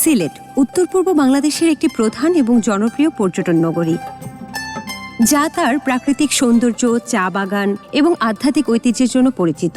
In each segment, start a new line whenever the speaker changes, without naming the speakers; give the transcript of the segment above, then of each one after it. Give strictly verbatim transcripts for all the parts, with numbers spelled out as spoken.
সিলেট উত্তর পূর্ব বাংলাদেশের একটি প্রধান এবং জনপ্রিয় পর্যটন নগরী, যা তার প্রাকৃতিক সৌন্দর্য, চা বাগান এবং আধ্যাত্মিক ঐতিহ্যের জন্য পরিচিত।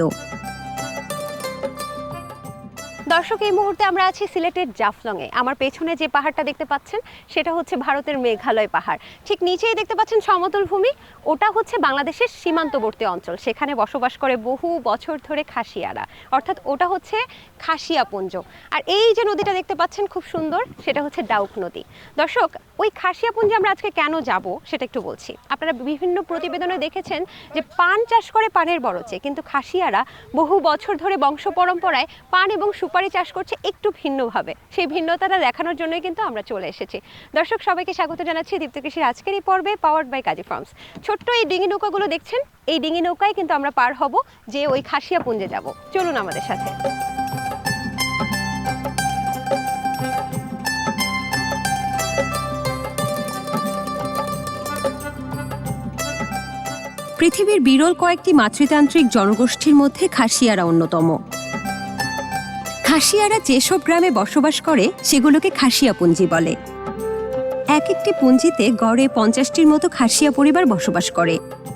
দর্শক, এই মুহূর্তে আমরা আছি সিলেটের জাফলংয়ে। আমার পেছনে যে পাহাড়টা দেখতে পাচ্ছেন সেটা হচ্ছে ভারতের মেঘালয় পাহাড়। ঠিক নিচেই দেখতে পাচ্ছেন সমতল ভূমি, ওটা হচ্ছে বাংলাদেশের সীমান্তবর্তী অঞ্চল। সেখানে বসবাস করে বহু বছর ধরে খাসিয়ারা, অর্থাৎ ওটা হচ্ছে খাসিয়াপুঞ্জ। আর এই যে নদীটা দেখতে পাচ্ছেন খুব সুন্দর, সেটা হচ্ছে ডাউক নদী। দর্শক, ওই খাসিয়াপুঞ্জে আমরা আজকে কেন যাব সেটা একটু বলছি। আপনারা বিভিন্ন প্রতিবেদনে দেখেছেন যে পান চাষ করে পানের বরচে, কিন্তু খাসিয়ারা বহু বছর ধরে বংশ পরম্পরায় পান এবং সুপারি চাষ করছে একটু ভিন্নভাবে। সেই ভিন্নতাটা দেখানোর জন্যই কিন্তু আমরা চলে এসেছি। দর্শক, সবাইকে স্বাগত জানাচ্ছি দীপ্ত কৃষির আজকের এই পর্বে, পাওয়ার্ড বাই কাজী ফার্মস। ছোট্ট এই ডিঙি নৌকাগুলো দেখছেন, এই ডিঙি নৌকায় কিন্তু আমরা পার হব যে ওই খাসিয়াপুঞ্জে যাব। চলুন আমাদের সাথে।
পৃথিবীর বিরল কয়েকটি মাতৃতান্ত্রিক জনগোষ্ঠীর মধ্যে খাসিয়ারা অন্যতম। খাসিয়ারা যেসব গ্রামে বসবাস করে সেগুলোকে খাসিয়াপুঞ্জি বলে। এক একটি পুঞ্জিতে গড়ে পঞ্চাশটির মতো খাসিয়া পরিবার বসবাস করে।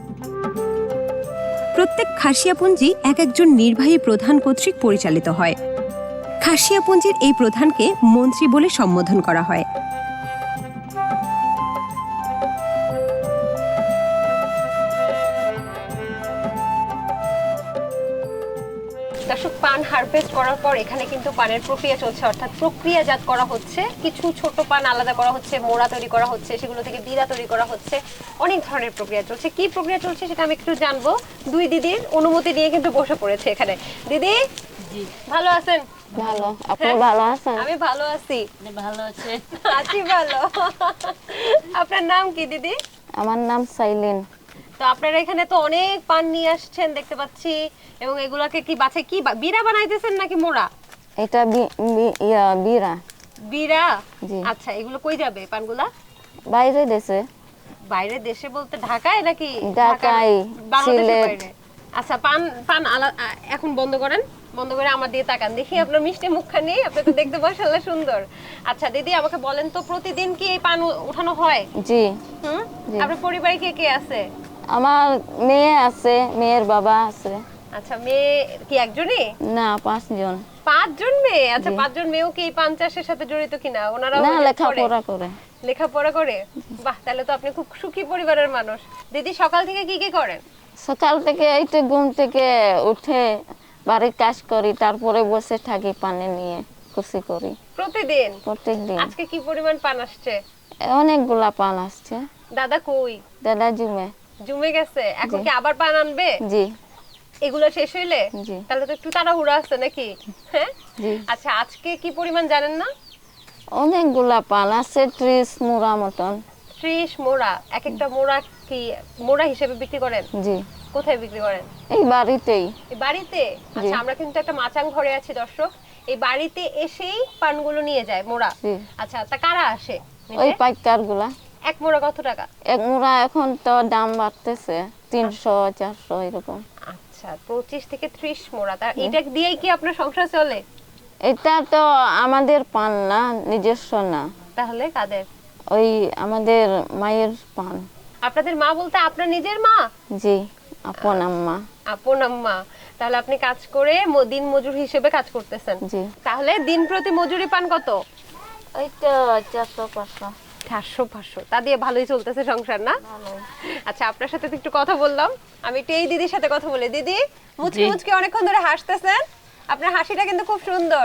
প্রত্যেক খাসিয়াপুঞ্জি এক একজন নির্বাহী প্রধান কর্তৃক পরিচালিত হয়। খাসিয়াপুঞ্জির এই প্রধানকে মন্ত্রী বলে সম্বোধন করা হয়।
দর্শক, পান হারভেস্ট করার পর এখানে কিন্তু পানের প্রক্রিয়া চলছে, অর্থাৎ প্রক্রিয়াজাত করা হচ্ছে। কিছু ছোট পান আলাদা করা হচ্ছে, মোড়া তৈরি করা হচ্ছে, সেগুলো থেকে বিড়া তৈরি করা হচ্ছে। অনেক ধরনের প্রক্রিয়া চলছে। কি প্রক্রিয়া চলছে সেটা আমি একটু জানবো। দুই দিদির অনুমতি নিয়ে কিন্তু বসে পড়েছে এখানে। দিদি, জি ভালো আছেন?
ভালো। আপনি ভালো আছেন?
আমি ভালো আছি।
ভালো আছে?
আছি ভালো। আপনার নাম কি দিদি?
আমার নাম সাইলিন।
তো আপনারা এখানে তো অনেক পান নিয়ে আসছেন দেখতে পাচ্ছি, এবং এগুলাকে কি বাছাই কি বিড়া বানাইতেছেন নাকি মোড়া?
এটা ইয়া বিরা।
বিড়া?
জি।
আচ্ছা, এগুলো কই যাবে পানগুলা?
বাইরে দেশে।
বাইরে দেশে বলতে ঢাকায় নাকি?
ঢাকায়,
বাংলাদেশের
সিলেট।
বাইরে? আচ্ছা, পান পান আলা- আ- এখন বন্ধ করেন, বন্ধ করে আমার দিয়ে তাকান, দেখি আপনার মিষ্টি মুখখানি। আপনি তো দেখতে মাশাআল্লাহ সুন্দর। আচ্ছা দিদি, আমাকে বলেন তো, প্রতিদিন কি এই পান উ- উঠানো হয়?
জি।
হুম।
জি।
আপনার পরিবারে কে কে আছে?
আমার মেয়ে আছে, মেয়ের বাবা আছে।
আচ্ছা, মেয়ে কি একজনই?
না, পাঁচজন।
পাঁচজন মেয়ে? আচ্ছা,
জি।
পাঁচজন মেয়েও কি এই পান চাষের সাথে জড়িত কিনা? ওনারাও
না,
help করে?
লেখাপড়া করে।
লেখাপড়া করে? বাহ, তাহলে তো আপনি খুব সুখী পরিবারের মানুষ। দিদি, সকাল থেকে কি কি করেন?
সকাল থেকে এইটা ঘুম থেকে উঠে বাড়ির কাজ করি, তারপরে বসে থাকি পানি নিয়ে খুশি করি
প্রতিদিন?
প্রত্যেকদিন।
আজকে কি পরিমাণ পান আসছে?
অনেকগুলা পান আসছে।
দাদা কই?
দাদা জুমে।
জমে গেছে? এখন
জি।
কি আবার পান আনবে?
জি।
এগুলো শেষ হইলে?
জি।
তাহলে তো একটু তাড়াহুড়া আছে নাকি? হ্যাঁ।
জি।
আচ্ছা, আজকে কি পরিমাণ জানেন না?
অনেকগুলা পান আছে, ত্রিশ মোড়া মতন।
ত্রিশ মোড়া? এক একটা মোড়া কি মোড়া হিসেবে বিক্রি করেন?
জি।
কোথায় বিক্রি করেন?
এই বাড়িতেই।
এই বাড়িতে? আচ্ছা, আমরা কিন্তু একটা মাচাং ঘরে আছি দর্শক। এই বাড়িতে এসেই পানগুলো নিয়ে যায় মোড়া?
জি।
আচ্ছা, তা কারা আসে
ওই
নিতে?
পাইকার গুলা।
এক মোড়া কত টাকা?
এক মোড়া এখন তো দাম বাড়তেছে, তিনশো চারশো এরকম।
আচ্ছা, পঁচিশ থেকে ত্রিশ মোড়া। তা এটা দিয়েই কি আপনার সংসার চলে?
এটা তো আমাদের পান না, নিজস্ব না,
তাহলে কাদের?
ওই আমাদের মায়ের পান।
আপনাদের মা বলতে আপনার নিজের মা?
জি, আপন আম্মা।
আপন আম্মা। তাহলে আপনি কাজ করে ম- দিন মজুর হিসেবে কাজ করতেছেন?
জি।
তাহলে দিন প্রতি মজুরি পান কত?
ওই তো চারশো পাঁচশো।
চারশো পাঁচশো। তা দিয়ে ভালোই চলতেছে সংসার না? আচ্ছা, আপনার সাথে তো একটু কথা বললাম। আমি একটু এই দিদির সাথে কথা বলি। দিদি, মুচকি মুচকি অনেকক্ষণ ধরে হাসতেছেন। আপনার হাসিটা কিন্তু খুব সুন্দর।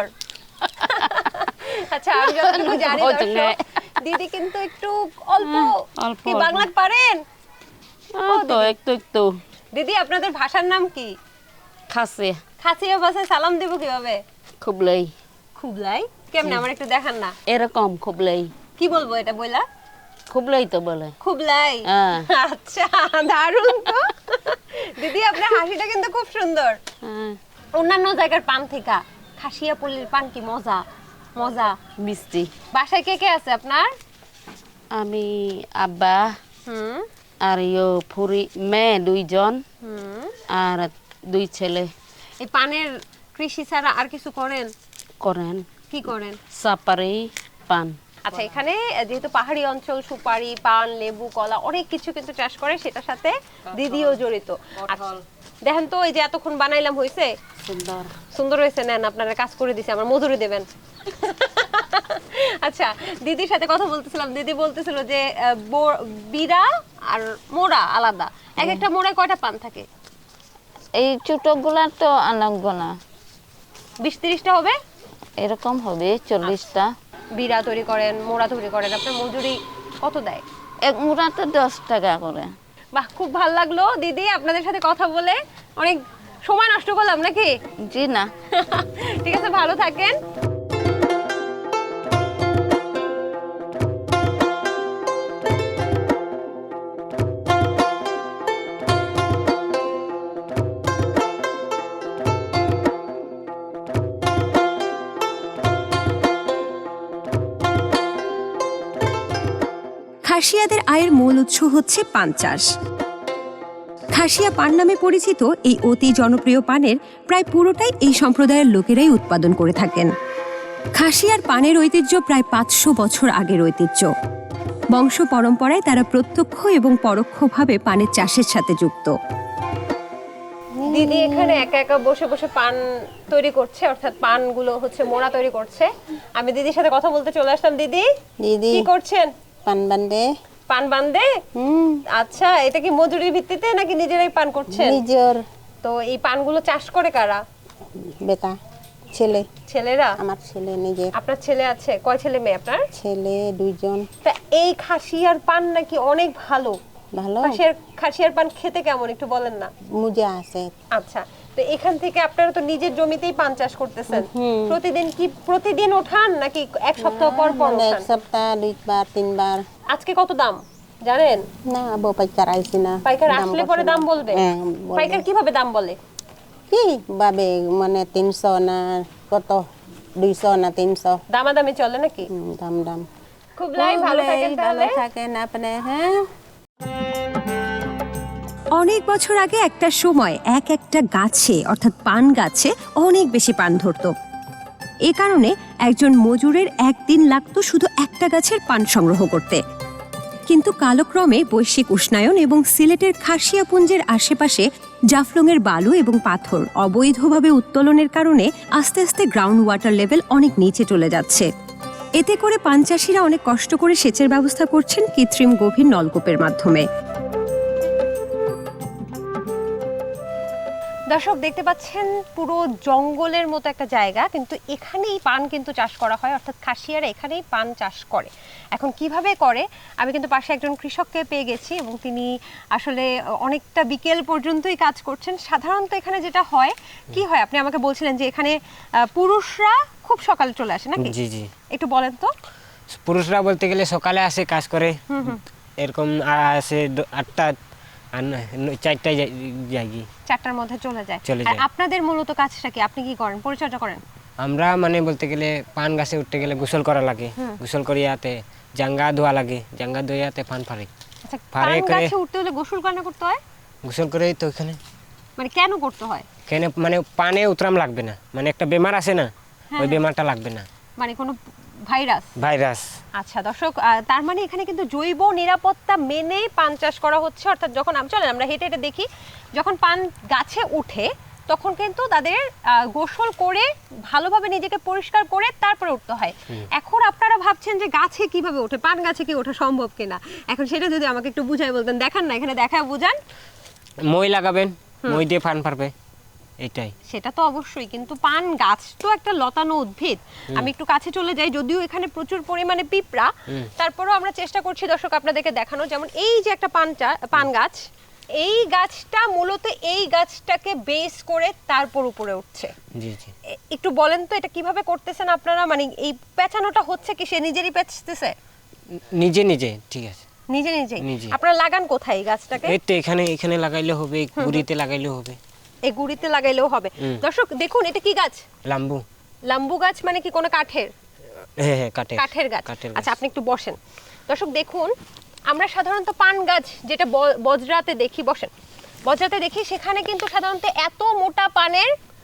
আচ্ছা, আমি যতটুকু জানি দর্শক, দিদি কিন্তু একটু অল্প
অল্প
কি
অল্প।
বাংলা পারেন?
তো একটু একটু
দিদি, আপনাদের ভাষার নাম কি?
খাসে
খাসিয়া ভাষায় সালাম দেব কিভাবে?
খুবলাই
খুবলাই? কেমনে, আমার একটু দেখান না।
এরকম খুবলাই
কি বলবো এটা বইলা?
খুবলাই তো বলে।
খুবলাই?
হ্যাঁ।
আচ্ছা, দারুণ তো। দিদি, আপনার হাসিটা কিন্তু খুব সুন্দর।
হ্যাঁ,
অন্যান্য জায়গার পান থেকে খাসিয়াপল্লির পান কি মজা? মজা।
মিষ্টি।
বাসায় কে কে আছে আপনার?
আমি, আব্বা
হুম
আর ইয়ো ফুরি, মেয়ে দুইজন
হুম।
আর দুই ছেলে
এই পানের কৃষি ছাড়া আর কিছু করেন?
করেন।
কি করেন?
সাপারি পান।
আচ্ছা, এখানে যেহেতু পাহাড়ি অঞ্চল, সুপারি, পান, লেবু, কলা অনেক কিছু কিন্তু চাষ করে, সেটার সাথে দিদিও জড়িত। আচ্ছা, দেখেন তো এই যে এতক্ষণ বানাইলাম, হয়েছে?
সুন্দর
সুন্দর হয়েছে। নেন, আপনারা কাজ করে দিছে, আমার মজুরি দেবেন। আচ্ছা, দিদির সাথে কথা বলতেছিলাম, দিদি বলতেছিল যে আহ, বো- বিড়া আর মোড়া আলাদা। এক একটা মোড়ায় কয়টা পান থাকে?
এই ছোটগুলা তো আনব না,
বিশ তিরিশটা হবে।
এরকম হবে চল্লিশটা।
বিড়া তৈরি করেন, মোড়া তৈরি করেন, আপনার মজুরি কত দেয়?
এক মুড়াতে দশ টাকা করে।
বাহ, খুব ভালো লাগলো দিদি আপনাদের সাথে কথা বলে। অনেক সময় নষ্ট করলাম নাকি?
জি না।
ঠিক আছে, ভালো থাকেন।
খাসিয়াদের আয়ের মূল উৎস হচ্ছে পান চাষ। খাসিয়া পান নামে পরিচিত এই অতি জনপ্রিয় পানের প্রায় পুরোটাই এই সম্প্রদায়ের লোকেরাই উৎপাদন করে থাকেন। খাসিয়ার পানের ঐতিহ্য প্রায় পাঁচশো বছর আগের ঐতিহ্য। বংশ পরম্পরায় তারা প্রত্যক্ষ এবং পরোক্ষভাবে পানের চাষের সাথে যুক্ত।
দিদি এখানে একা একা বসে বসে পান তৈরি করছে, অর্থাৎ পানগুলো হচ্ছে মোড়া তৈরি করছে। আমি দিদির সাথে কথা বলতে চলে আসলাম। দিদি,
দিদি
কি করছেন?
পান বান্ধে।
পান বান্ধে?
হুম,
আচ্ছা, এটা কি মজুরির ভিত্তিতে নাকি নিজেরাই পান করছেন?
নিজের
তো এই পানগুলো চাষ করে কারা?
বেটা ছেলে,
ছেলেরা?
আমার ছেলে নিজের
আপনার ছেলে আছে? কয় ছেলে মেয়ে আপনার?
ছেলে দুইজন।
তা এই খাসিয়ার পান নাকি অনেক ভালো।
ভালো
খাসিয়ার খাসিয়ার পান খেতে কেমন একটু বলেন না।
মুজা আছে।
আচ্ছা, তো এখান থেকে আপনারা তো নিজের জমিতেই পান চাষ করতেছেন, প্রতিদিন কি প্রতিদিন ওঠান নাকি এক সপ্তাহ পর পর
মানে এক
ওঠান?
সপ্তাহ দুইবার তিনবার।
আজকে কত দাম জানেন?
না বউ পাইকার আইসি না।
পাইকার
দাম
আসলে
বলছে
পরে
না।
দাম বলবে?
হ্যাঁ, বলবে।
পাইকার কিভাবে দাম বলে?
কি বাবে মানে তিনশো না কত, দুইশো না তিনশো।
দামাদামি চলে নাকি?
হুম, দাম দাম।
খুব লাই ভালো থাকেন
ভালো
তাহলে।
থাকেন আপনি। হ্যাঁ,
অনেক বছর আগে একটা সময় এক একটা গাছে অর্থাৎ পান গাছে অনেক বেশি পান ধরতো। এ কারণে একজন মজুরের একদিন লাগতো শুধু একটা গাছের পান সংগ্রহ করতে। কিন্তু কালক্রমে বৈশ্বিক উষ্ণায়ন এবং সিলেটের খাসিয়াপুঞ্জের আশেপাশে জাফলংয়ের বালু এবং পাথর অবৈধভাবে উত্তোলনের কারণে আস্তে আস্তে গ্রাউন্ড ওয়াটার লেভেল অনেক নিচে চলে যাচ্ছে। এতে করে পান চাষিরা অনেক কষ্ট করে সেচের ব্যবস্থা করছেন কৃত্রিম গভীর নলকূপের মাধ্যমে।
দর্শক দেখতে পাচ্ছেন পুরো জঙ্গলের মতো একটা জায়গা, কিন্তু এখানেই পান কিন্তু চাষ করা হয়, অর্থাৎ খাসিয়ারা এখানেই পান চাষ করে। এখন কিভাবে করে, আমি কিন্তু পাশে একজন কৃষককে পেয়ে গেছি এবং তিনি আসলে অনেকটা বিকেল পর্যন্তই কাজ করছেন। সাধারণত এখানে যেটা হয়, কি হয় আপনি আমাকে বলছিলেন যে এখানে আহ, পুরুষরা খুব সকালে চলে আসে নাকি?
জি জি
একটু বলেন তো।
পুরুষরা বলতে গেলে সকালে আসে কাজ করে, এরকম আসে দ- আটটা আর ন- ন- চারটায় যাই- যাই গি।
চারটার মধ্যে চলে যায়।
চলে
আর
যায়।
আপনাদের মূলত কাজটা কি, আপনি কি করেন, পরিচর্যা করেন?
আমরা মানে বলতে গেলে পান গাছে উঠতে গেলে গোসল করা লাগে, গোসল করিয়াতে জাঙ্গা ধোয়া লাগে, জাঙ্গা ধোয়াতে পান ফারে,
আচ্ছা,
ফারে
পান
করে-
গাছে উঠতে হলে গোসল কেন করতে হয়?
গোসল করেই তো ওখানে
মানে কেন করতে হয়?
কেন মানে পানে উতরাম লাগবে না, মানে একটা বেমার আছে না, ওই বেমারটা লাগবে না,
মানে কোনো ভাইরাস?
ভাইরাস।
আচ্ছা দর্শক, আহ, তার মানে এখানে কিন্তু জৈব নিরাপত্তা মেনে পান চাষ করা হচ্ছে। অর্থাৎ যখন আমি চলেন আমরা হেঁটে হেঁটে দেখি, যখন পান গাছে উঠে তখন কিন্তু তাদের আহ, গোসল করে ভালোভাবে নিজেকে পরিষ্কার করে তারপরে উঠতে হয়। এখন আপনারা ভাবছেন যে গাছে কিভাবে ওঠে, পান গাছে কি ওঠা সম্ভব কিনা, এখন সেটা যদি আমাকে একটু বুঝাই বলতেন। দেখান না, এখানে দেখায় বুঝান।
মই লাগাবেন, মই দিয়ে পান পারবে, এইটাই।
সেটা তো অবশ্যই, কিন্তু পান গাছ তো একটা লতানো উদ্ভিদ। আমি একটু কাছে চলে যাই, যদিও এখানে প্রচুর পরিমাণে পিঁপড়া, তারপরেও আমরা চেষ্টা করছি দর্শক আপনাদেরকে দেখানো। যেমন এই যে একটা পান চা- পান গাছ, এই গাছটা মূলত এই গাছটাকে বেস করে তারপর উপরে উঠছে।
জি জি।
এ- একটু বলেন তো এটা কিভাবে করতেছেন আপনারা, মানে এই পেঁচানোটা হচ্ছে কি সে নিজেরই পেঁচতেছে?
নিজে নিজে, ঠিক আছে।
নিজে নিজেই?
নিজে।
আপনারা লাগান কোথায় এই গাছটাকে?
এই তো এখানে, এখানে লাগাইলে হবে, গুড়িতে লাগাইলে হবে।
এই গুড়িতে লাগাইলেও হবে? দর্শক দেখুন, এটা কি গাছ?
লাম্বু।
লাম্বু গাছ মানে কি কোনো কাঠের?
হ্যাঁ হ্যাঁ, কাঠের
কাঠের গাছ।
কাঠের
আচ্ছা,
গাছ।
আপনি একটু বসেন। দর্শক দেখুন, আমরা সাধারণত পান গাছ যেটা ব- বজরাতে দেখি, বসেন, বজরাতে দেখি, সেখানে কিন্তু সাধারণত এত মোটা পানের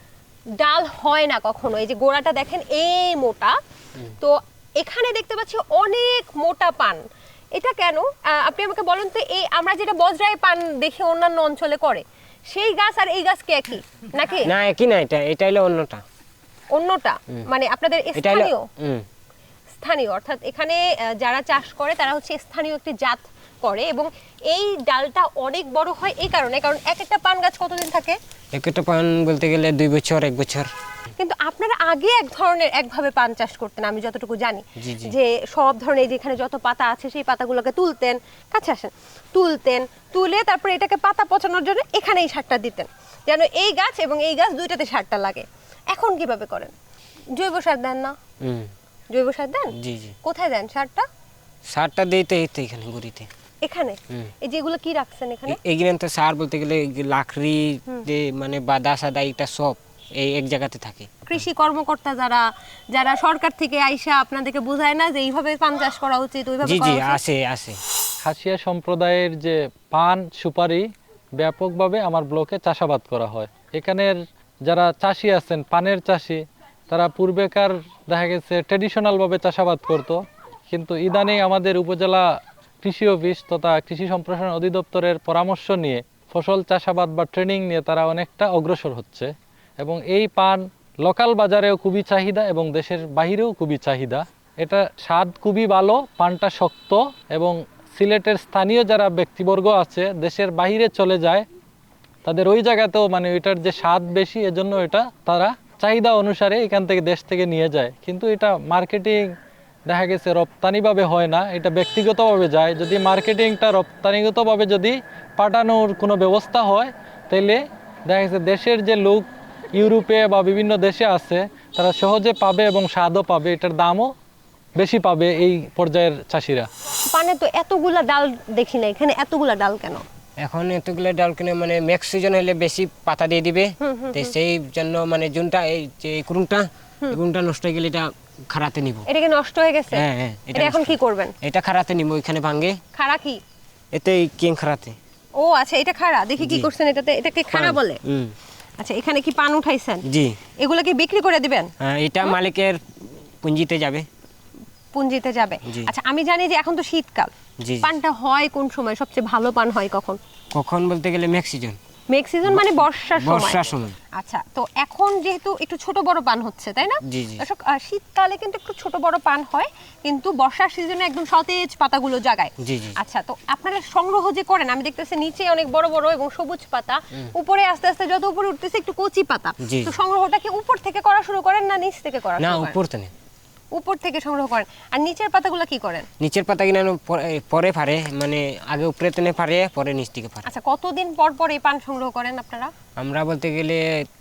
ডাল হয় না কখনো। এই যে গোড়াটা দেখেন এই মোটা, তো এখানে দেখতে পাচ্ছি অনেক মোটা পান। এটা কেন আহ, আপনি আমাকে বলুন তো, এই আমরা যেটা বজরায় পান দেখি অন্যান্য অঞ্চলে করে, সেই গাছ আর এই গাছ কি একই নাকি?
না একই না, এটা এটা হলো অন্যটা।
অন্যটা মানে আপনাদের
এটা হলো
স্থানীয়
হুম
স্থানীয় অর্থাৎ এখানে আহ, যারা চাষ করে তারা হচ্ছে স্থানীয় একটি জাত করে, এবং এই ডালটা অনেক বড় হয় এই কারণে, কারণ এক একটা পান গাছ কতদিন থাকে?
একটা পান বলতে গেলে দুই বছর এক বছর।
কিন্তু আপনারা আগে এক ধরনের একভাবে পান চাষ করতেন আমি যতটুকু জানি,
জি, জি।
যে সব ধরনের যেখানে যত পাতা আছে সেই পাতাগুলোকে তুলতেন, কাছে আসেন, তুলতেন, তুলে তারপরে এটাকে পাতা পচানোর জন্য এখানে এই সারটা দিতেন, যেন এই গাছ এবং এই গাছ দুইটাতে সারটা লাগে। এখন কিভাবে করেন? জৈব সার দেন না?
হুম
জৈব সার দেন?
জি জি।
কোথায় দেন সারটা?
সারটা দিতে এই তো এখানে গুড়িতে।
এখানে?
হুম।
এই যেগুলো কি রাখছেন এখানে?
এগুলো তো সার বলতে গেলে লাকড়ি যে মানে বাদা সাদা এটা সব এই এক জায়গাতে থাকে।
কৃষি কর্মকর্তা যারা যারা সরকার থেকে আইসা আপনাদেরকে বোঝায় না যে এইভাবে পান চাষ করা উচিত, ওইভাবে
জি
করা
জি
উচিত?
আছে আছে।
খাসিয়া সম্প্রদায়ের যে পান সুপারি ব্যাপকভাবে আমার ব্লকে চাষাবাদ করা হয়। এখানের যারা চাষি আছেন, পানের চাষি, তারা পূর্বেকার দেখা গেছে ট্র্যাডিশনালভাবে চাষাবাদ করত, কিন্তু ইদানিং আমাদের উপজেলা কৃষি অফিস তথা কৃষি সম্প্রসারণ অধিদপ্তরের পরামর্শ নিয়ে ফসল চাষাবাদ বা ট্রেনিং নিয়ে তারা অনেকটা অগ্রসর হচ্ছে, এবং এই পান লোকাল বাজারেও খুবই চাহিদা এবং দেশের বাহিরেও খুবই চাহিদা। এটা স্বাদ খুবই ভালো, পানটা শক্ত, এবং সিলেটের স্থানীয় যারা ব্যক্তিবর্গ আছে দেশের বাইরে চলে যায়, তাদের ওই জায়গাতেও মানে এটার যে স্বাদ বেশি, এজন্য এটা তারা চাহিদা অনুসারে এখান থেকে দেশ থেকে নিয়ে যায়। কিন্তু এটা মার্কেটিং দেখা গেছে রপ্তানিভাবে হয় না, এটা ব্যক্তিগতভাবে যায়। যদি মার্কেটিংটা রপ্তানিগতভাবে যদি পাঠানোর কোনো ব্যবস্থা হয়, তাহলে দেখা গেছে দেশের যে লোক ইউরোপে বা বিভিন্ন দেশে আছে তারা সহজে পাবে এবং স্বাদও পাবে, এটার দামও বেশি পাবে এই পর্যায়ের চাষিরা।
পানে তো এতগুলা ডাল দেখি না, এখানে এতগুলা ডাল কেন?
এখন এতগুলো ডাল কিনে মানে নেক্সট সিজন হলে বেশি পাতা দিয়ে দিবে, তো সেই জন্য মানে জুনটা এই যে কুরুমটা কুরুমটা নষ্ট হয়ে গেলে এটা খারাতে নিব।
এটা কি নষ্ট হয়ে গেছে?
হ্যাঁ হ্যাঁ,
এটা এখন কি করবেন?
এটা খারাতে নিব, ওইখানে ভাঙে
খাড়া কি?
এতে কিং খারাতে।
ও আচ্ছা, এটা খাড়া দেখি কি
জি।
করছেন এটাতে, এটাকে খাড়া বলে?
হুম
আচ্ছা, এখানে কি পান উঠাইছেন?
জি।
এগুলো কি বিক্রি করে দিবেন?
হ্যাঁ, এটা মালিকের পুঁজিতে যাবে।
পুঞ্জিতে যাবে?
জি।
আচ্ছা, আমি জানি যে এখন তো শীতকাল,
জি।
পানটা হয় কোন সময়? সবচেয়ে ভালো পান হয় কখন?
কখন বলতে গেলে নেক্সট সিজন,
মেঘ সিজন মানে বর্ষার সময়।
বর্ষার সময়।
আচ্ছা, তো এখন যেহেতু একটু ছোট বড় পান হচ্ছে, তাই না?
জি, জি।
দর্শক, আহ, শীতকালে কিন্তু একটু ছোট বড় পান হয়, কিন্তু বর্ষার সিজনে একদম সতেজ পাতাগুলো জাগায়।
জি, জি।
আচ্ছা, তো আপনারা সংগ্রহ যে করেন, আমি দেখতেছি নিচে অনেক বড় বড় এবং সবুজ পাতা, উপরে আস্তে আস্তে যত উপরে উঠতেছে একটু কচি পাতা।
জি।
তো সংগ্রহটা কি উপর থেকে করা শুরু করেন না নিচ থেকে করা
না
শুরু করেন?
উপর তো নেই,
উপর থেকে সংগ্রহ করেন। আর নিচের পাতাগুলো কি করেন?
নিচের পাতা কিনা পরে ফারে, মানে আগে উপরে তেনে ফারে, পরে নিচ থেকে ফারে।
আচ্ছা, কতদিন পর পর এই পান সংগ্রহ করেন আপনারা?
আমরা বলতে গেলে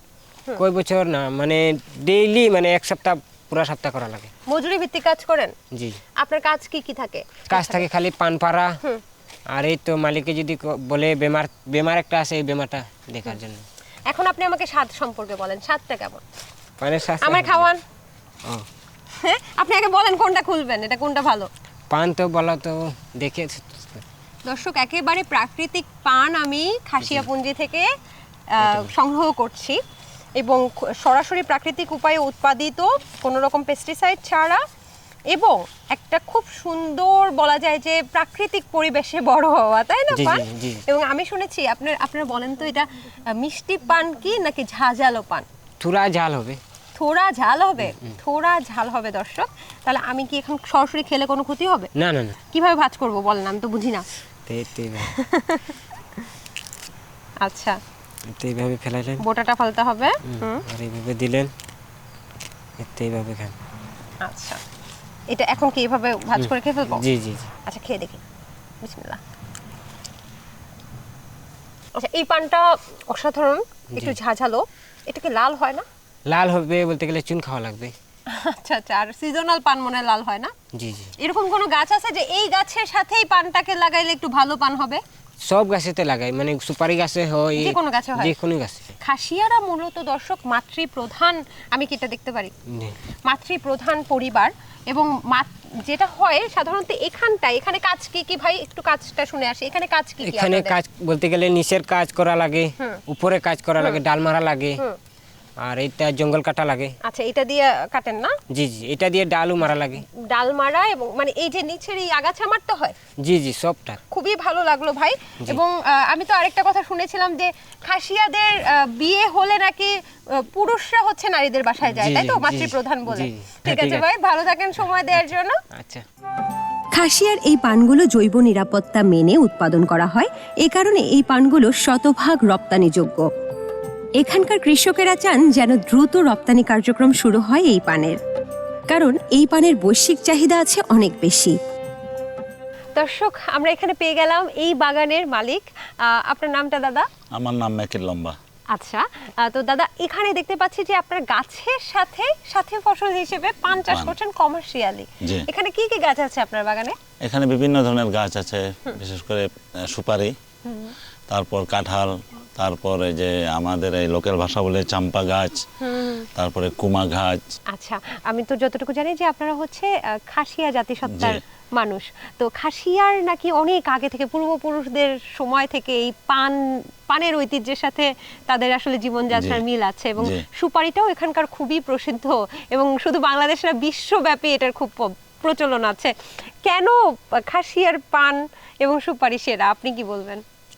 কয় বছর না, মানে ডেইলি মানে এক সপ্তাহ পুরা সপ্তাহ করা লাগে।
মজুরি ভিত্তিক কাজ করেন?
জি।
আপনার কাজ কি কি থাকে?
কাজ থাকে খালি পান পাড়া, আর এই তো মালিকে যদি ক- বলে বেমার বেমার একটা আছে, এই বেমারটা দেখার জন্য।
এখন আপনি আমাকে স্বাদ সম্পর্কে বলেন, স্বাদটা কেমন?
পানের স্বাস্থ্য
আমার খাওয়ান।
ও,
হ্যাঁ, আপনি আগে বলেন কোনটা খুলবেন, এটা কোনটা ভালো?
পান তো বলা তো দেখে।
দর্শক, একেবারে প্রাকৃতিক পান আমি খাসিয়াপুঞ্জি থেকে আহ, সংগ্রহ করছি, এবং খ- সরাসরি প্রাকৃতিক উপায়ে উৎপাদিত, কোনো রকম পেস্টিসাইড ছাড়া, এবং একটা খুব সুন্দর বলা যায় যে প্রাকৃতিক পরিবেশে বড় হওয়া, তাই না
জি, জি,
পান?
জি।
এবং আমি শুনেছি আপনার আপনারা বলেন তো, এটা আহ, মিষ্টি পান কি নাকি ঝাঁঝালো পান?
থুরা ঝাল হবে।
থোড়া ঝাল হবে? থোড়া ঝাল হবে দর্শক। তাহলে আমি কি এখন সরাসরি খেলে কোনো ক্ষতি হবে?
না না না,
কিভাবে ভাজ করব বলেন, আমি তো বুঝি না।
তো এই- তো এইভাবে
আচ্ছা,
তো এইভাবে ফেলাইলেন,
বোটাটা ফালতে হবে। হুম,
আর এইভাবে দিলেন, এতে এইভাবে খান।
আচ্ছা, এটা এখন কি এভাবে ভাজ করে খেয়ে ফেলবো?
জি জি জি।
আচ্ছা, খেয়ে দেখি। বিসমিল্লাহ। আচ্ছা, এই পানটা অসাধারণ, একটু ঝাঝালো। এটা কি লাল হয় না?
লাল হবে বলতে গেলে চুন খাওয়া লাগবে।
আচ্ছা আচ্ছা, আর সিজনাল পান মনে হয় লাল হয় না?
জি জি।
এরকম কোনো গাছ আছে যে এই গাছের সাথেই পানটাকে লাগাইলে একটু ভালো পান হবে?
সব গাছেতে লাগাই, মানে সুপারি গাছে হয়,
যে কোনো গাছে হয়?
যে কোনো গাছে।
খাসিয়ারা মূলত দর্শক মাতৃ প্রধান, আমি কি এটা দেখতে পারি?
জি।
মাতৃ প্রধান পরিবার, এবং মাত- যেটা হয় সাধারণত এখানটা, এখানে কাজ কি কি ভাই, একটু কাজটা শুনে আসি। এখানে কাজ কি কি
এখানে
আপনাদের?
কাজ বলতে গেলে নিচের কাজ করা লাগে, উপরে কাজ করা লাগে, ডাল মারা লাগে, আর এটা জঙ্গল কাটা লাগে।
আচ্ছা, এটা দিয়ে কাটেন না?
জি জি, এটা দিয়ে ডালও মারা লাগে।
ডাল মারা এবং মানে এই যে নিচের এই আগাছা মারতে হয়?
জি জি, সবটা।
খুবই ভালো লাগলো ভাই। এবং আহ, আমি তো আরেকটা কথা শুনেছিলাম যে খাসিয়াদের আহ, বিয়ে হলে নাকি আহ, পুরুষরা হচ্ছে নারীদের বাসায় যায়,
জি,
তাই তো?
জি, জি,
মাতৃপ্রধান বলে।
জি, জি।
ঠিক
ঠিক
আছে
আছে।
ভাই, ভালো থাকেন সময় দেওয়ার জন্য।
আচ্ছা।
খাসিয়ার এই পানগুলো জৈব নিরাপত্তা মেনে উৎপাদন করা হয়, এ কারণে এই পানগুলো শতভাগ রপ্তানিযোগ্য। এখানকার কৃষকেরা চান যেন দ্রুত রপ্তানি কার্যক্রম শুরু হয় এই পানের, কারণ এই পানের বৈশ্বিক চাহিদা আছে অনেক বেশি।
দর্শক, আমরা এখানে পেয়ে গেলাম এই বাগানের মালিক। আহ, আপনার নামটা দাদা?
আমার নাম মেকির লম্বা।
আচ্ছা, আহ, তো দাদা এখানে দেখতে পাচ্ছি যে আপনার গাছের সাথে সাথে ফসল হিসেবে পান চাষ
পান।
করছেন কমার্শিয়ালি।
জি।
এখানে কি কি গাছ আছে আপনার বাগানে?
এখানে বিভিন্ন ধরনের গাছ আছে, বিশেষ করে আহ, সুপারি, তারপর কাঁঠাল, তারপরে যে আমাদের এই লোকাল ভাষা বলে চাম্পা গাছ, তারপরে কুমা গাছ।
আচ্ছা, আমি তো যতটুকু জানি যে আপনারা হচ্ছে আহ, খাসিয়া জাতিসত্তার
জি।
মানুষ। তো খাসিয়ার নাকি অনেক আগে থেকে পূর্বপুরুষদের সময় থেকে এই পান পানের ঐতিহ্যের সাথে তাদের আসলে জীবনযাত্রার
জি।
মিল আছে এবং
জি।
সুপারিটাও এখানকার খুবই প্রসিদ্ধ এবং শুধু বাংলাদেশ না, বিশ্বব্যাপী এটার খুব প- প্রচলন আছে। কেন খাসিয়ার পান এবং সুপারি সেরা, আপনি কি বলবেন?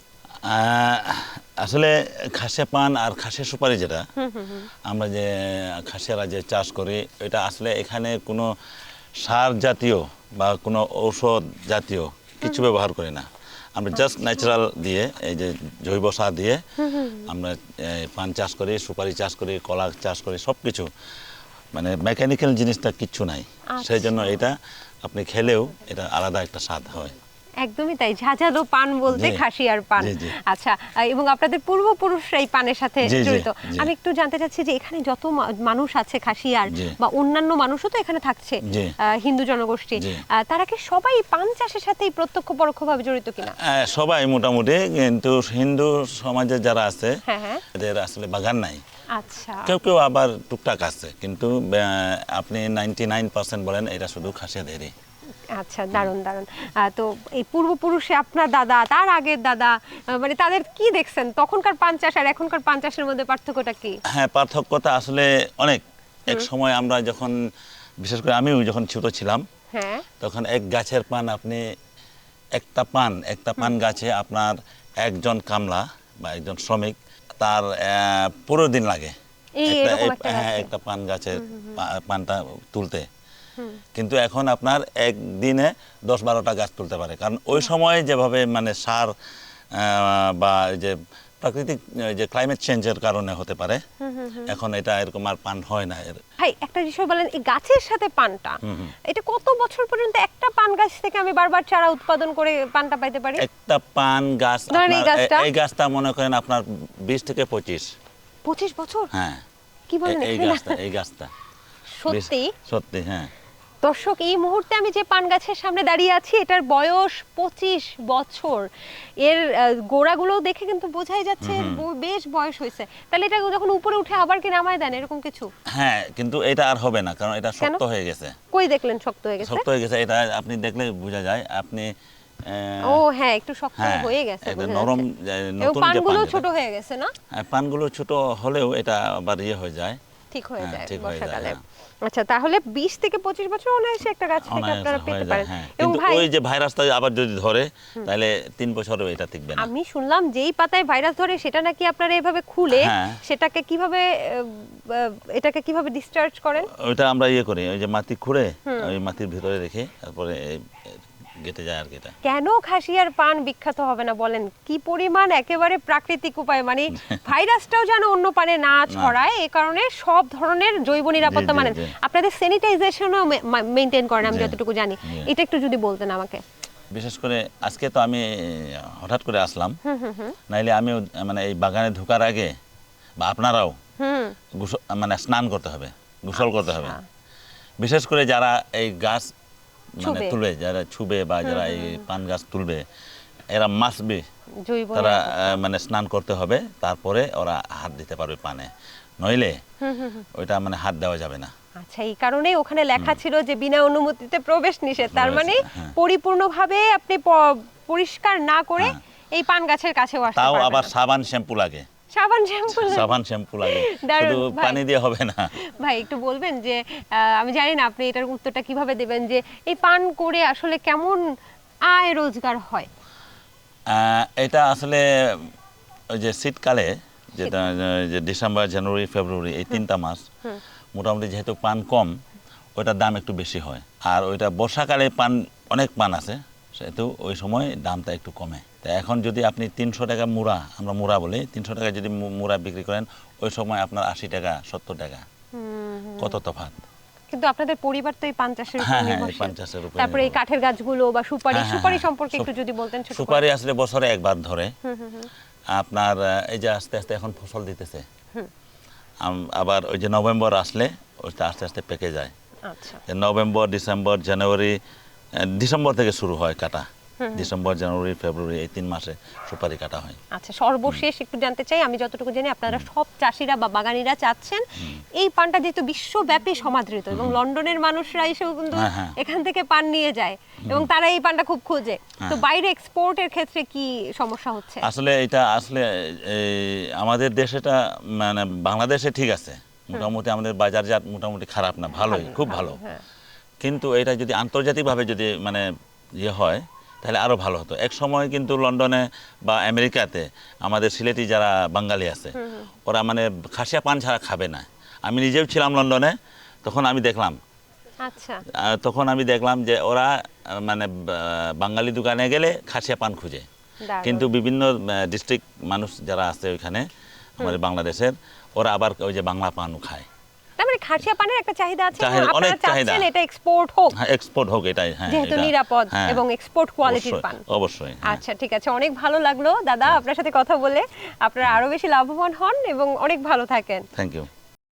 আহ, আসলে খাসিয়া পান আর খাসিয়া সুপারি যেটা আমরা যে খাসিয়ারা যে চাষ করি, এটা আসলে এখানে কোনো সার জাতীয় বা কোনো ঔষধ জাতীয় কিছু ব্যবহার করি না। আমরা জাস্ট ন্যাচারাল দিয়ে, এই যে জৈব সার দিয়ে আমরা এই পান চাষ করি, সুপারি চাষ করি, কলা চাষ করি, সব কিছু মানে মেকানিক্যাল জিনিসটা কিচ্ছু নাই। সেই জন্য এটা আপনি খেলেও এটা আলাদা একটা স্বাদ হয়।
একদমই তাই, ঝাঁঝালো পান বলতে
জি।
খাসিয়ার পান।
জি, জি।
আচ্ছা, আহ, এবং আপনাদের পূর্বপুরুষরা এই পানের সাথে
জি, জি,
জড়িত।
জি।
আমি একটু জানতে চাচ্ছি যে এখানে যত মা- মানুষ আছে খাসিয়ার
জি।
বা অন্যান্য মানুষও তো এখানে থাকছে,
জি।
আহ, হিন্দু জনগোষ্ঠী,
জি।
আহ, তারা কি সবাই পান চাষের সাথে প্রত্যক্ষ পরোক্ষভাবে জড়িত কিনা?
আহ, সবাই মোটামুটি, কিন্তু হিন্দু সমাজে যারা আছে
হ্যাঁ হ্যাঁ।
এদের আসলে বাগান নাই।
আচ্ছা,
কেউ কেউ আবার টুকটাক আছে, কিন্তু আহ, আপনি নাইনটি নাইন পার্সেন্ট বলেন এটা শুধু খাসিয়াদেরই।
আচ্ছা, দারুণ দারুণ। আহ, তো এই পূর্বপুরুষে আপনার দাদা, তার আগের দাদা, আহ, মানে তাদের কি দেখছেন তখনকার পান চাষ আর এখনকার পান চাষের মধ্যে পার্থক্যটা কি?
হ্যাঁ, পার্থক্যটা আসলে অনেক। এক সময় আমরা যখন, বিশেষ করে আমিও যখন ছোট ছিলাম,
হ্যাঁ,
তখন এক গাছের পান আপনি একটা পান একটা পান গাছে আপনার একজন কামলা বা একজন শ্রমিক তার আহ, পুরো দিন লাগে
এই
একটা-
এরকম
এই-
একটা
হ্যাঁ,
গাছে।
একটা পান গাছের পা- পানটা তুলতে। কিন্তু এখন আপনার একদিনে দশ বারোটা গাছ তুলতে পারে, কারণ ওই সময় যেভাবে মানে সার আহ, বা এই যে প্রাকৃতিক এই যে ক্লাইমেট চেঞ্জের কারণে হতে পারে, এখন এটা এরকম আর পান হয় না। এর
ভাই একটা বিষয় বলেন, এই গাছের সাথে পানটা, এটা কত বছর পর্যন্ত একটা পান গাছ থেকে আমি বারবার চারা উৎপাদন করে পানটা পাইতে পারি?
একটা পান গাছ
ধরেন এই
আপনার-
গাছটা?
এই গাছটা মনে করেন আপনার বিশ থেকে পঁচিশ।
পঁচিশ বছর?
হ্যাঁ,
কি বলেন
এই- এই
এখানে?
গাছটা এই গাছটা
সত্যি?
বিশ- সত্যি, হ্যাঁ।
দর্শক, এই মুহূর্তে আমি যে পান গাছের সামনে দাঁড়িয়ে আছি এটার বয়স পঁচিশ বছর। এর আহ, গোড়াগুলো দেখে কিন্তু বোঝাই যাচ্ছে ব- বেশ বয়স হয়েছে। তাহলে এটা যখন উপরে উঠে আবার কি নামায় দেন এরকম কিছু?
হ্যাঁ, কিন্তু এটা আর হবে না, কারণ এটা শক্ত হয়ে গেছে।
কই দেখলেন শক্ত হয়ে গেছে?
শক্ত হয়ে গেছে, এটা আপনি দেখলে বোঝা যায়। আপনি আহ,
ও হ্যাঁ, একটু শক্ত
হ্যাঁ,
হয়ে গেছে,
একদম
বোঝা
নরম,
যাচ্ছে।
যে
এবং
নতুন যে
পানগুলো
পান যেটা-
ছোট হয়ে গেছে না?
হ্যাঁ, পানগুলো ছোট হলেও এটা আবার ইয়ে হয়ে যায়,
ঠিক হয়ে
হ্যাঁ,
যায়
ঠিক হয়ে যায়,
বর্ষাকালে।
হ্যাঁ।
আচ্ছা, তাহলে বিশ থেকে পঁচিশ বছর অনায়াসে একটা গাছ থেকে
অনায়াসে
আপনারা
হয়ে
পেতে
যায়,
পারেন।
হ্যাঁ।
এবং
কিন্তু
ভাই
ওই যে ভাইরাসটা আবার যদি ধরে তাহলে তিন বছরও এটা টিকবে না।
আমি শুনলাম যেই পাতায় ভাইরাস ধরে সেটা নাকি আপনারা এভাবে খুলে
হ্যাঁ।
সেটাকে কিভাবে আহ, আহ, এটাকে কিভাবে ডিসচার্জ করেন?
ওইটা আমরা ইয়ে করি, ওই যে মাটি খুঁড়ে ওই মাটির ভিতরে রেখে তারপরে এই গেটে যায় আর কি। এটা
কেন খাসিয়ার পান বিখ্যাত হবে না বলেন? কি পরিমাণ একেবারে প্রাকৃতিক উপায়, মানে ভাইরাসটাও যেন অন্য পানে না ছড়ায়, এই কারণে সব ধরনের জৈব নিরাপত্তা
জি, জি,
মানেন।
জি।
আপনাদের স্যানিটাইজেশনও মেনটেন করেন, আমি
জি,
যতটুকু জানি।
জি।
এটা একটু যদি বলতেন আমাকে।
বিশেষ করে আজকে তো আমি হঠাৎ করে আসলাম, নাইলে আমিও মানে এই বাগানে ঢোকার আগে বা আপনারাও
হুম,
গোসল মানে স্নান করতে হবে, গোসল করতে হবে। বিশেষ করে যারা এই গাছ মানে
ছুবে।
তুলবে, যারা ছুবে বা যারা এই পান গাছ তুলবে, এরা মাস্ট বি
জৈব
তারা
নিরাপত্তা।
আহ, মানে স্নান করতে হবে, তারপরে ওরা হাত দিতে পারবে পানে, নইলে ওইটা মানে হাত দেওয়া যাবে না।
আচ্ছা, এই কারণেই ওখানে লেখা ছিল যে বিনা অনুমতিতে প্রবেশ নিষেধ। তার
প্রবেশ,
মানে
হ্যাঁ।
পরিপূর্ণভাবে আপনি প- পরিষ্কার না করে
হ্যাঁ।
এই পান গাছের কাছেও আসতে
তাও
পারবেন
আবার
না।
সাবান শ্যাম্পু লাগে।
সাবান শ্যাম্পু
সাবান শ্যাম্পু লাগে,
দারুণ,
শুধু
ভাই।
পানি দিয়ে হবে না।
ভাই একটু বলবেন যে আহ, আমি জানি না আপনি এটার উত্তরটা কিভাবে দেবেন, যে এই পান করে আসলে কেমন আয় রোজগার হয়?
আহ, এটা আসলে ওই যে শীতকালে যেটা যে ডিসেম্বর জানুয়ারি ফেব্রুয়ারি এই তিনটা মাস মোটামুটি যেহেতু পান কম, ওইটার দাম একটু বেশি হয়। আর ওইটা বর্ষাকালে পান অনেক পান আছে, সেহেতু ওই সময় দামটা একটু কমে। তা এখন যদি আপনি তিনশো টাকা মুড়া, আমরা মুড়া বলি, তিনশো টাকা যদি মু- মুড়া বিক্রি করেন, ওই সময় আপনার আশি টাকা সত্তর টাকা, কত তফাৎ।
কিন্তু আপনাদের পরিবার তো এই পান চাষের উপর
হ্যাঁ, হ্যাঁ, এই
নির্ভরশীল।
পান চাষের উপর
তারপরে এই
নির্ভর।
কাঠের গাছগুলো বা সুপারি
হ্যাঁ, হ্যাঁ,
সুপারি
হ্যাঁ।
সম্পর্কে একটু
সুপ-
যদি বলতেন ছোট করে।
সুপারি আসলে বছরে একবার ধরে আপনার আহ, এই যে আস্তে আস্তে এখন ফসল দিতেছে, আম- আবার ওই যে নভেম্বর আসলে ওইটা আস্তে আস্তে পেকে যায়।
আচ্ছা,
যে নভেম্বর ডিসেম্বর জানুয়ারি, আহ, ডিসেম্বর থেকে শুরু হয় কাটা, ডিসেম্বর জানুয়ারি ফেব্রুয়ারি এই তিন মাসে সুপারি কাটা হয়।
আচ্ছা, সর্বশেষ একটু জানতে চাই, আমি যতটুকু জানি আপনারা সব চাষিরা বা বাগানিরা চাচ্ছেন এই পানটা যেহেতু বিশ্বব্যাপী সমাদৃত এবং লন্ডনের মানুষরা এসেও কিন্তু
হ্যাঁ, হ্যাঁ।
এখান থেকে পান নিয়ে যায় এবং তারা এই পানটা খুব খোঁজে, তো বাইরে এক্সপোর্টের ক্ষেত্রে কি সমস্যা হচ্ছে?
আসলে এটা আসলে এই আমাদের দেশেটা মানে বাংলাদেশে ঠিক আছে, মোটামুটি আমাদের বাজারজাত মোটামুটি খারাপ না, ভালোই, খুব ভালো।
হ্যাঁ।
কিন্তু এটা যদি আন্তর্জাতিকভাবে যদি মানে ইয়ে হয় তাহলে আরও ভালো হতো। এক সময় কিন্তু লন্ডনে বা আমেরিকাতে আমাদের সিলেটি যারা বাঙালি আছে ওরা মানে খাসিয়া পান ছাড়া খাবে না। আমি নিজেও ছিলাম লন্ডনে, তখন আমি দেখলাম
আচ্ছা,
আহ, তখন আমি দেখলাম যে ওরা আহ, মানে বা- বাঙালি দোকানে গেলে খাসিয়া পান খুঁজে,
দারুণ।
কিন্তু বিভিন্ন ডিস্ট্রিক্ট মানুষ যারা আছে ওইখানে আমাদের বাংলাদেশের, ওরা আবার ওই যে বাংলা পানও খায়।
তার মানে খাসিয়া পানের একটা চাহিদা আছে এবং
চাহিদা,
আপনারা
অনেক চাহিদা।
চাচ্ছেন এটা এক্সপোর্ট হোক,
হ্যাঁ, এক্সপোর্ট হোক, এটাই। হ্যাঁ,
যেহেতু
এটা-
নিরাপদ
হ্যাঁ,
এবং এক্সপোর্ট কোয়ালিটির
অবশ্যই,
পান।
অবশ্যই, হ্যাঁ।
আচ্ছা, ঠিক আছে, অনেক ভালো লাগলো দাদা আপনার সাথে কথা বলে। আপনারা আরো বেশি লাভবান হন এবং অনেক ভালো থাকেন।
Thank you.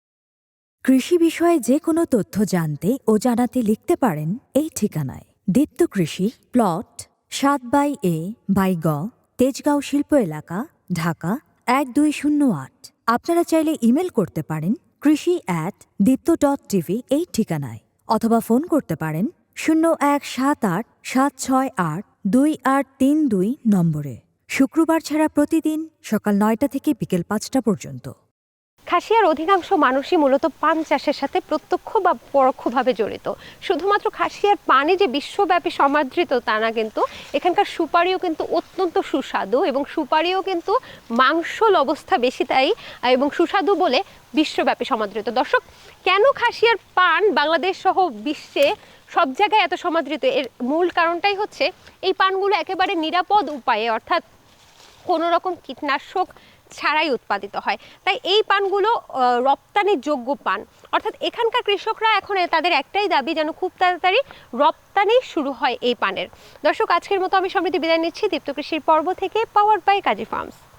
কৃষি বিষয়ে যে কোনো তথ্য জানতে ও জানাতে লিখতে পারেন এই ঠিকানায়। দীপ্ত কৃষি, প্লট সাত বাই এ বাই গ, তেজগাঁও শিল্প এলাকা, ঢাকা এক দুই শূন্য আট। আপনারা চাইলে ইমেল করতে পারেন কৃষি অ্যাট দীপ্ত ডট টিভি এই ঠিকানায়, অথবা ফোন করতে পারেন শূন্য এক সাত আট সাত ছয় আট দুই আট তিন দুই নম্বরে। শুক্রবার ছাড়া প্রতিদিন সকাল নয়টা থেকে বিকেল পাঁচটা পর্যন্ত।
খাসিয়ার অধিকাংশ মানুষই মূলত পান চাষের সাথে প্রত্যক্ষ বা পরোক্ষভাবে জড়িত। শুধুমাত্র খাসিয়ার পানি যে বিশ্বব্যাপী সমাদৃত তা না, কিন্তু এখানকার সুপারিও কিন্তু অত্যন্ত সুস্বাদু এবং সুপারিও কিন্তু মাংসল অবস্থা বেশি, তাই এবং সুস্বাদু বলে বিশ্বব্যাপী সমাদৃত। দর্শক, কেন খাসিয়ার পান বাংলাদেশ সহ বিশ্বে সব জায়গায় এত সমাদৃত, এর মূল কারণটাই হচ্ছে এই পানগুলো একেবারে নিরাপদ উপায়ে, অর্থাৎ কোনো রকম কীটনাশক ছাড়াই উৎপাদিত হয়। তাই এই পানগুলো আহ, রপ্তানির যোগ্য পান, অর্থাৎ এখানকার কৃষকরা এখন তাদের একটাই দাবি যেন খুব তাড়াতাড়ি রপ্তানি শুরু হয় এই পানের। দর্শক, আজকের মতো আমি সমৃদ্ধি বিদায় নিচ্ছি দীপ্ত কৃষির পর্ব থেকে, পাওয়ার বাই কাজী ফার্মস।